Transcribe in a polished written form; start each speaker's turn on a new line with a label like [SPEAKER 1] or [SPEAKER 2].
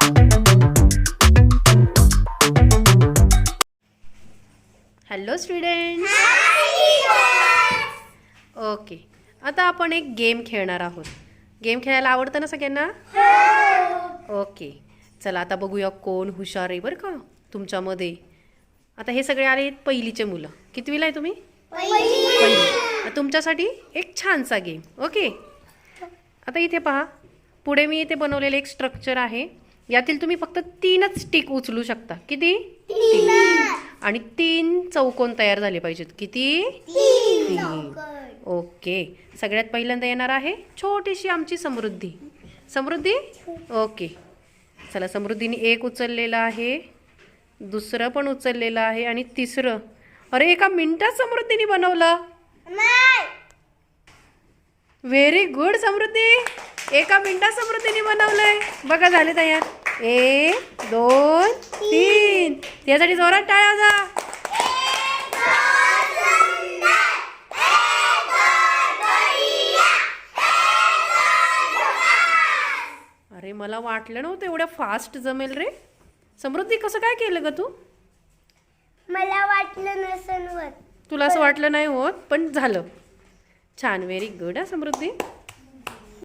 [SPEAKER 1] Hello students. Okay, आता आपण एक गेम खेळणार आहोत. गेम खेळायला आवडतं ना सगळ्यांना? ओके, चला आता बघूया कोण हुशार आहे बरं का तुमच्यामध्ये. आता हे सगळे आले पहिलीचे मुलं. कितवीला आहे तुम्ही? पहिली. तुमच्यासाठी एक छानसा गेम. ओके, आता इथे पहा, पुढे मी इथे बनवलेलं एक स्ट्रक्चर आहे. यातील तुम्ही फक्त 3च स्टिक उचलू शकता. किती? 3. आणि 3 चौकोन तयार झाले पाहिजेत. किती? 3. ओके, सगळ्यात पहिल्यांदा येणार आहे छोटीशी आमची समृद्धी. समृद्धी. ओके, चला, समृद्धीने 1 उचललेलं आहे, दुसरं पण उचललेलं आहे आणि तिसरं. अरे, एका मिनिटात समृद्धीने बनवलं. व्हेरी गुड समृद्धी, एका मिनिटात समृद्धीने बनवलंय. बघा, झाले तयार. 1 2 3. त्यासाठी जोरात टाळ्या वाजवा. अरे, मला वाटलं नव्हतं एवढ्या फास्ट जमेल रे. समृद्धी, कसं काय केलं ग तू?
[SPEAKER 2] मला वाटलं नसन होत.
[SPEAKER 1] तुला असं वाटलं नाही होत, पण झालं छान. व्हेरी गुड हा समृद्धी.